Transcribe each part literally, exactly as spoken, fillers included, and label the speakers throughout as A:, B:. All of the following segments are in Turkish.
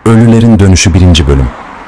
A: Ölülerin Dönüşü birinci bölüm.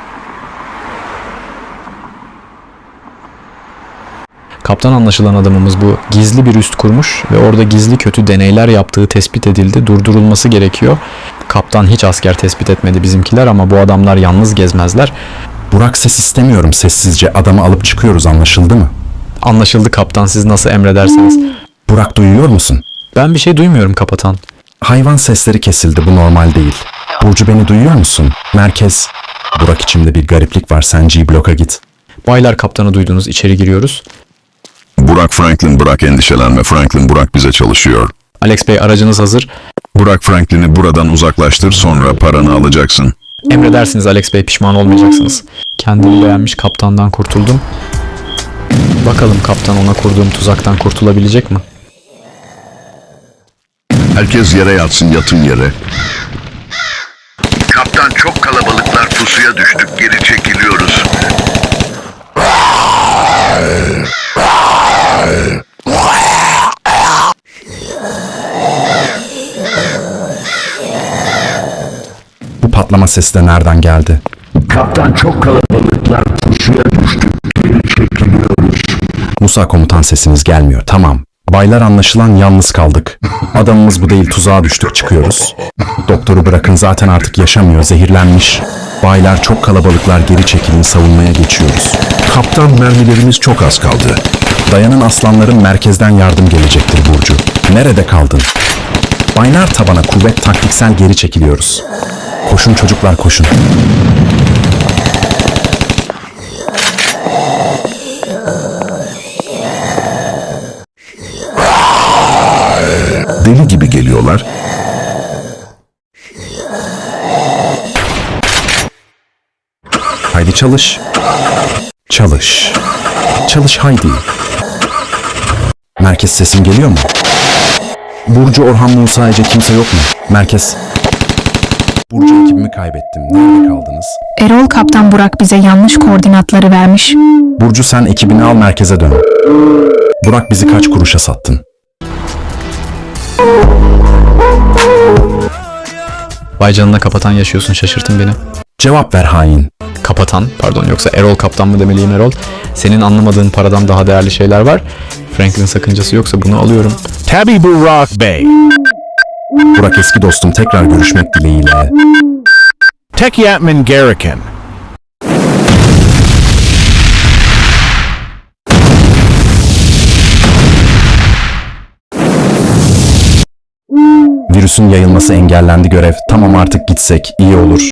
B: Kaptan anlaşılan adamımız bu gizli bir üst kurmuş ve orada gizli kötü deneyler yaptığı tespit edildi. Durdurulması gerekiyor. Kaptan hiç asker tespit etmedi bizimkiler ama bu adamlar yalnız gezmezler.
A: Burak, ses istemiyorum, sessizce adamı alıp çıkıyoruz, anlaşıldı mı?
B: Anlaşıldı kaptan, siz nasıl emredersiniz.
A: Burak, duyuyor musun?
B: Ben bir şey duymuyorum kapatan.
A: Hayvan sesleri kesildi, bu normal değil. Burcu, beni duyuyor musun? Merkez. Burak, içimde bir gariplik var, sen G-Block'a git.
B: Baylar, kaptanı duydunuz, içeri giriyoruz.
C: Burak Franklin, bırak endişelenme. Franklin, Burak bize çalışıyor.
B: Alex Bey, aracınız hazır.
C: Burak Franklin'i buradan uzaklaştır, sonra paranı alacaksın.
B: Emredersiniz Alex Bey, pişman olmayacaksınız. Kendini beğenmiş kaptandan kurtuldum. Bakalım kaptan ona kurduğum tuzaktan kurtulabilecek mi?
C: Herkes yere yatsın, yatın yere.
D: Kaptan, çok kalabalıklar, pusuya düştük, geri çekiliyoruz.
A: Bu patlama sesi de nereden geldi?
D: Kaptan, çok kalabalıklar, pusuya düştük, geri çekiliyoruz.
A: Musa komutan, sesiniz gelmiyor, tamam. Baylar, anlaşılan yalnız kaldık. Adamımız bu değil, tuzağa düştük, çıkıyoruz. Doktoru bırakın, zaten artık yaşamıyor, zehirlenmiş. Baylar, çok kalabalıklar, geri çekilin, savunmaya geçiyoruz.
C: Kaptan, mermilerimiz çok az kaldı.
A: Dayanın aslanlarım, merkezden yardım gelecektir Burcu. Nerede kaldın? Baylar, tabana kuvvet, taktiksel geri çekiliyoruz. Koşun çocuklar, koşun.
C: Deli gibi geliyorlar.
A: Haydi çalış. Çalış. Çalış haydi. Merkez, sesim geliyor mu? Burcu, Orhan, Musa, Ece, kimse yok mu? Merkez. Burcu, ekibimi kaybettim. Nerede kaldınız?
E: Erol, Kaptan Burak bize yanlış koordinatları vermiş.
A: Burcu, sen ekibini al, merkeze dön. Burak, bizi kaç kuruşa sattın?
B: Vay canına kapatan, yaşıyorsun, şaşırtın beni.
A: Cevap ver hain.
B: Kapatan, pardon, yoksa Erol kaptan mı demeliyim Erol? Senin anlamadığın paradan daha değerli şeyler var. Franklin sakıncası yoksa bunu alıyorum.
F: Tabii Burak Bey.
A: Burak, eski dostum, tekrar görüşmek dileğiyle.
F: Tekyatman Garikan.
A: Virüsün yayılması engellendi, görev. Tamam, artık gitsek iyi olur.